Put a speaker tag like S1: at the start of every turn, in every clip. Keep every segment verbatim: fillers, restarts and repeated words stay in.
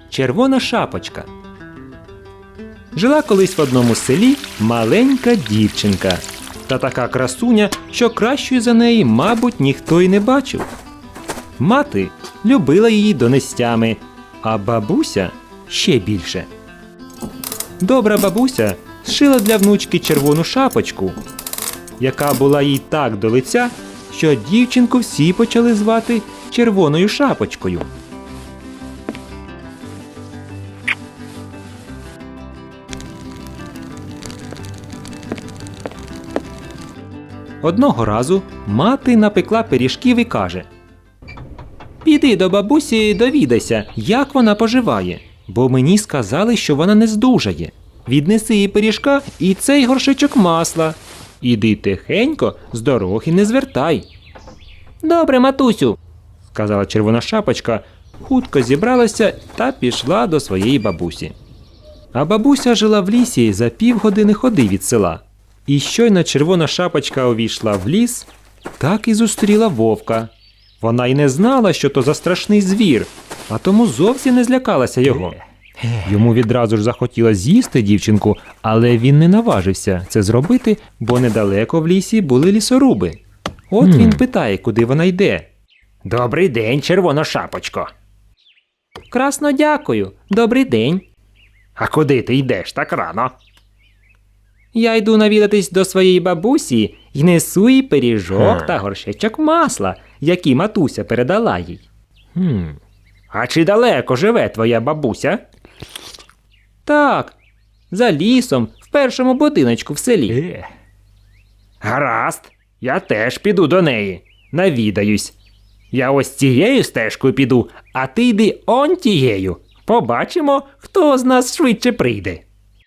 S1: Червона шапочка. Жила колись в одному селі маленька дівчинка. Та така красуня, що кращої за неї, мабуть, ніхто й не бачив. Мати любила її донестями, а бабуся ще більше. Добра бабуся зшила для внучки червону шапочку, яка була їй так до лиця, що дівчинку всі почали звати Червоною шапочкою. Одного разу мати напекла пиріжків і каже: «Піди до бабусі, довідайся, як вона поживає, бо мені сказали, що вона не здужає. Віднеси їй пиріжка і цей горшечок масла. Іди тихенько, з дороги не звертай». «Добре, матусю», – сказала Червона шапочка, хутко зібралася та пішла до своєї бабусі. А бабуся жила в лісі за півгодини ходи від села. І щойно Червона шапочка увійшла в ліс, так і зустріла вовка. Вона й не знала, що то за страшний звір, а тому зовсім не злякалася його. Йому відразу ж захотілося з'їсти дівчинку, але він не наважився це зробити, бо недалеко в лісі були лісоруби. От mm. він питає, куди вона йде. «Добрий день, Червона шапочко!» «Красно дякую, добрий день!» «А куди ти йдеш так рано?» «Я йду навідатись до своєї бабусі і несу їй пиріжок та горшечок масла, які матуся передала їй». Хм. «А чи далеко живе твоя бабуся?» «Так, за лісом, в першому будиночку в селі». Е. «Гаразд, я теж піду до неї, навідаюсь. Я ось цією стежкою піду, а ти йди он тією. Побачимо, хто з нас швидше прийде».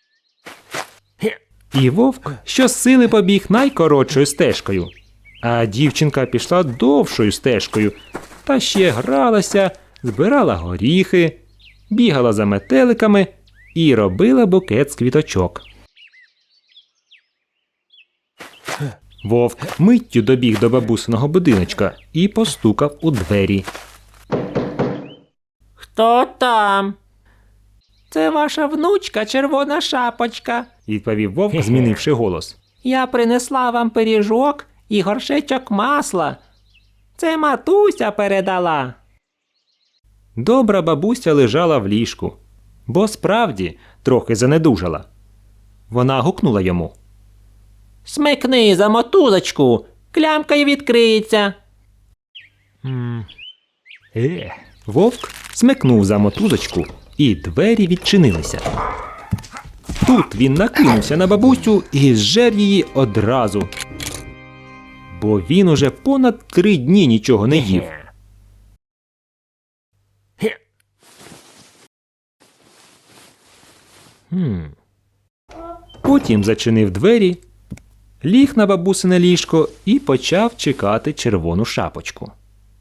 S1: І вовк щосили побіг найкоротшою стежкою, а дівчинка пішла довшою стежкою, та ще гралася, збирала горіхи, бігала за метеликами і робила букет з квіточок. Вовк миттю добіг до бабусиного будиночка і постукав у двері. «Хто там?» «Це ваша внучка, Червона шапочка», – відповів вовк, змінивши голос. «Я принесла вам пиріжок і горшечок масла. Це матуся передала». Добра бабуся лежала в ліжку, бо справді трохи занедужала. Вона гукнула йому: «Смикни за мотузочку, клямка й відкриється». Mm. Е. Вовк смикнув за мотузочку, і двері відчинилися. Тут він накинувся на бабусю і зжер її одразу, бо він уже понад три дні нічого не їв. Хм. Потім зачинив двері, ліг на бабусине ліжко і почав чекати Червону шапочку.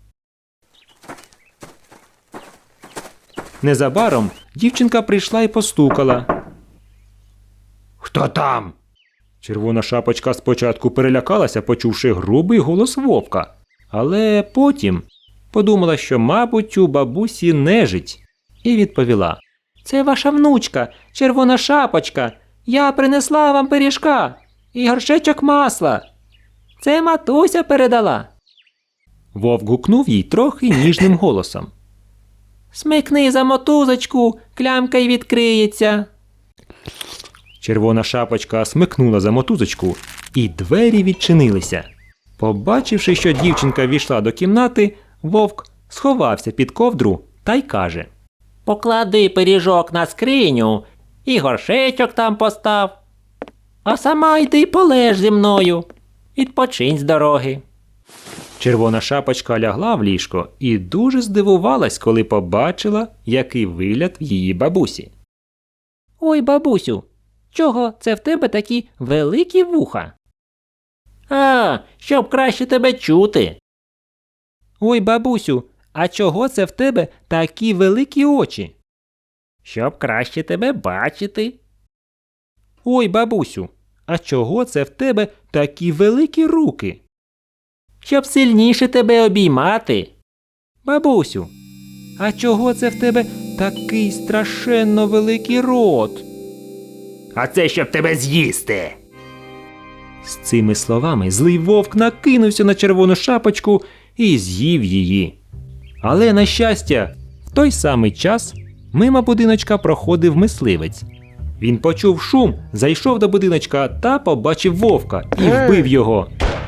S1: Незабаром дівчинка прийшла і постукала. «Хто там?» Червона шапочка спочатку перелякалася, почувши грубий голос вовка, але потім подумала, що, мабуть, у бабусі нежить, і відповіла: «Це ваша внучка, Червона шапочка. Я принесла вам пиріжка і горшечок масла. Це матуся передала». Вовк гукнув їй трохи ніжним голосом: «Смикни за мотузочку, клямка й відкриється». Червона шапочка смикнула за мотузочку, і двері відчинилися. Побачивши, що дівчинка війшла до кімнати, вовк сховався під ковдру та й каже: «Поклади пиріжок на скриню і горшечок там постав. А сама йди полеж зі мною, відпочинь з дороги». Червона шапочка лягла в ліжко і дуже здивувалась, коли побачила, який вигляд в її бабусі. «Ой, бабусю, чого це в тебе такі великі вуха?» «А, щоб краще тебе чути». «Ой, бабусю, а чого це в тебе такі великі очі?» «Щоб краще тебе бачити». «Ой, бабусю, а чого це в тебе такі великі руки?» «Щоб сильніше тебе обіймати». «Бабусю, а чого це в тебе такий страшенно великий рот.
S2: А це щоб тебе з'їсти.
S1: З цими словами злий вовк накинувся на червону шапочку і з'їв її. Але, на щастя, в той самий час мимо будиночка проходив мисливець. Він почув шум, зайшов до будиночка та побачив вовка і вбив його.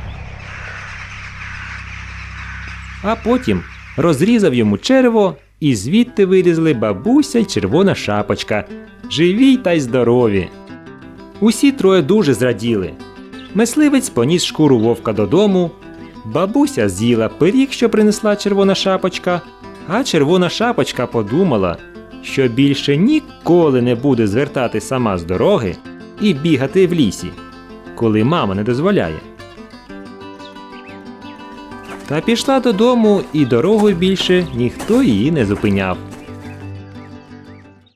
S1: А потім розрізав йому черево, і звідти вилізли бабуся й червона шапочка, живі та й здорові. Усі троє дуже зраділи. Мисливець поніс шкуру вовка додому, бабуся з'їла пиріг, що принесла червона шапочка, а червона шапочка подумала, що більше ніколи не буде звертати сама з дороги і бігати в лісі, коли мама не дозволяє. Та пішла додому, і дорогою більше ніхто її не зупиняв.